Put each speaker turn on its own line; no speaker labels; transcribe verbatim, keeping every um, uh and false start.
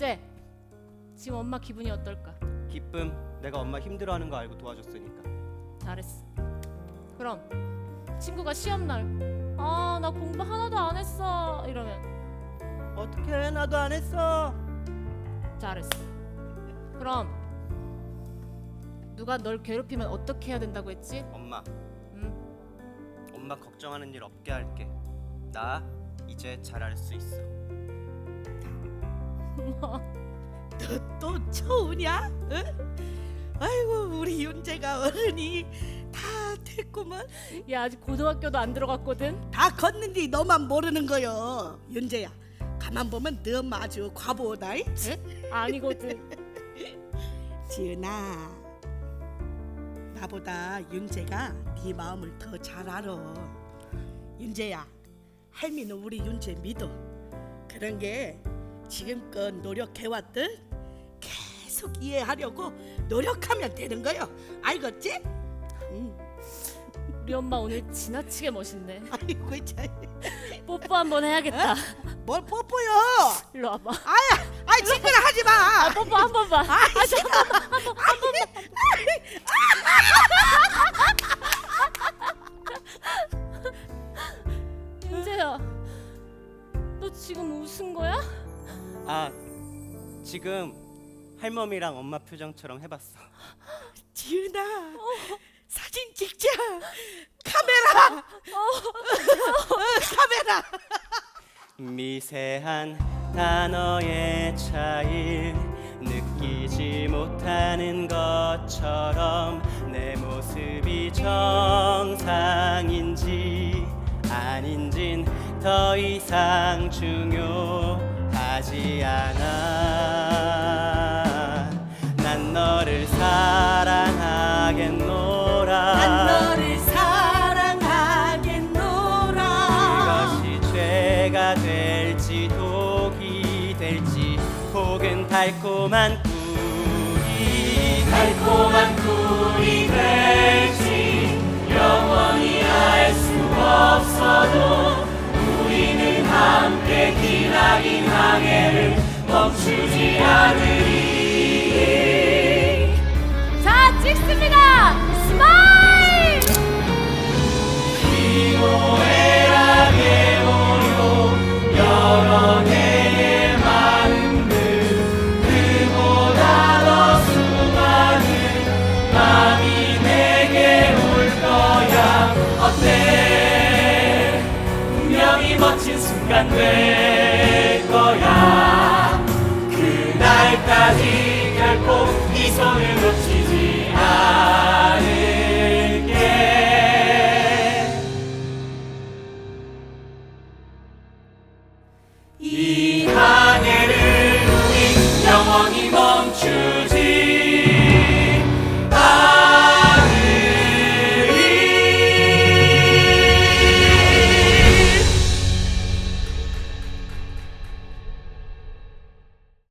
윤재, 지금 엄마 기분이 어떨까?
기쁨. 내가 엄마 힘들어하는 거 알고 도와줬으니까.
잘했어. 그럼 친구가 시험날 아, 나 공부 하나도 안 했어 이러면
어떡해, 나도 안 했어.
잘했어. 그럼 누가 널 괴롭히면 어떻게 해야 된다고 했지?
엄마,
응?
엄마 걱정하는 일 없게 할게. 나 이제 잘할 수 있어.
또 처우냐? 응? 아이고 우리 윤재가 어른이 다 됐구먼.
야, 아직 고등학교도 안 들어갔거든.
다 컸는데 너만 모르는 거요. 윤재야, 가만 보면 너 엄마 아주 과보다. 응?
아니거든.
지은아, 나보다 윤재가 네 마음을 더 잘 알아. 윤재야, 할미는 우리 윤재 믿어. 그런 게 지금껏 노력해왔듯 계속 이해하려고 노력하면 되는 거요. 알겠지? 응.
우리 엄마 오늘 지나치게 멋있네.
아이고 참.
뽀뽀 한번 해야겠다.
뭘 뽀뽀요?
일로 와봐.
아야, 아이 친구나 하지 마.
아, 뽀뽀 한 번만.
아이 싫어.
윤재야, 너 지금 웃은 거야?
아, 지금 할머니랑 엄마 표정처럼 해봤어.
지은아, 사진 찍자. 카메라. 어, 카메라.
미세한 단어의 차이 느끼지 못하는 것처럼 내 모습이 정상인지 아닌진 더 이상 중요하지 않아. 난 너를 사랑하겠노라.
난 너를 사랑하겠노라.
이것이 죄가 될지 독이 될지 혹은 달콤한 꿀이 달콤한 꿀이 될지 영원히 알 수 없어도 우리는 함께 기나긴 항해를 멈추지 않으리.
자, 찍습니다. 스마일!
기호에라 게모요 여러 개의 마음들 그보다 더 수많은 마음이 내게 올 거야. 어때? 분명히 멋진 순간 될 거야. 그날까지 결코 이 손을 놓치지 않아.